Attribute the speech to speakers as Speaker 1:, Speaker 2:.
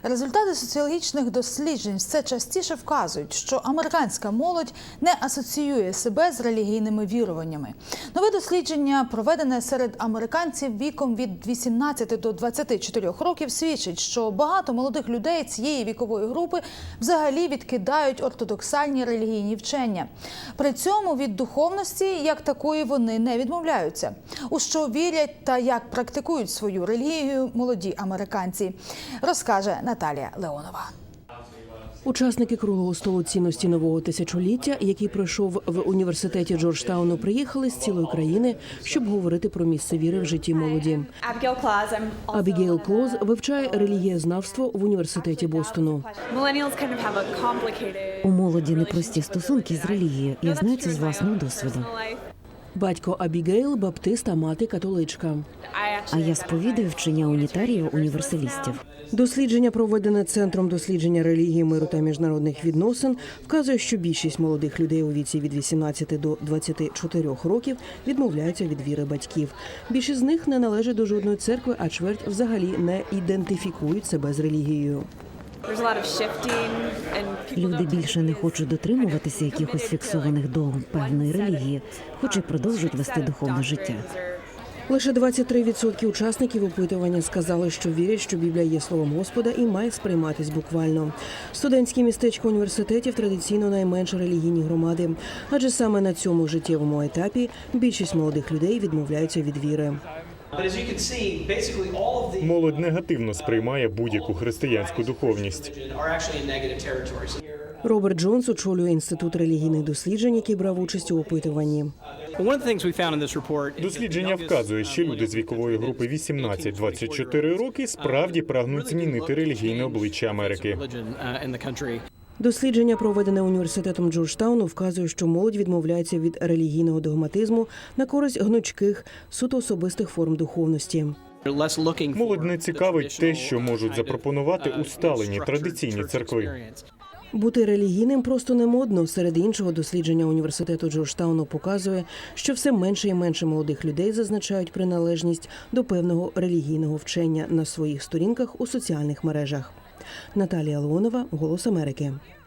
Speaker 1: Результати соціологічних досліджень все частіше вказують, що американська молодь не асоціює себе з релігійними віруваннями. Нове дослідження, проведене серед американців віком від 18 до 24 років, свідчить, що багато молодих людей цієї вікової групи взагалі відкидають ортодоксальні релігійні вчення. При цьому від духовності, як такої, вони не відмовляються. У що вірять та як практикують свою релігію молоді американці, розкаже Наталія Леонова.
Speaker 2: Учасники круглого столу цінності нового тисячоліття, який пройшов в університеті Джорджтауну, приїхали з цілої країни, щоб говорити про місце віри в житті молоді. Абігейл Клоз вивчає релігієзнавство в університеті Бостону.
Speaker 3: У молоді непрості стосунки з релігією. Я знаю це з власного досвіду.
Speaker 2: Батько Абігейл – баптист, а мати – католичка.
Speaker 3: А я сповідаю вчення унітаріїв універсалістів.
Speaker 2: Дослідження, проведене Центром дослідження релігії, миру та міжнародних відносин, вказує, що більшість молодих людей у віці від 18 до 24 років відмовляються від віри батьків. Більшість з них не належать до жодної церкви, а чверть взагалі не ідентифікують себе з релігією.
Speaker 3: Люди більше не хочуть дотримуватися якихось фіксованих догм певної релігії, хоч і продовжують вести духовне життя.
Speaker 2: Лише 23% учасників опитування сказали, що вірять, що Біблія є словом Господа і має сприйматись буквально. Студентські містечка університетів традиційно найменш релігійні громади, адже саме на цьому життєвому етапі більшість молодих людей відмовляються від віри.
Speaker 4: Молодь негативно сприймає будь-яку християнську духовність.
Speaker 2: Роберт Джонс очолює Інститут релігійних досліджень, який брав участь у опитуванні.
Speaker 4: Дослідження вказує, що люди з вікової групи 18-24 роки справді прагнуть змінити релігійне обличчя Америки.
Speaker 2: Дослідження, проведене університетом Джорджтауну, вказує, що молодь відмовляється від релігійного догматизму на користь гнучких, суто особистих форм духовності.
Speaker 4: Молодь не цікавить те, що можуть запропонувати усталені традиційні церкви.
Speaker 2: Бути релігійним просто не модно. Серед іншого, дослідження університету Джорджтауну показує, що все менше і менше молодих людей зазначають приналежність до певного релігійного вчення на своїх сторінках у соціальних мережах. Наталія Леонова, «Голос Америки».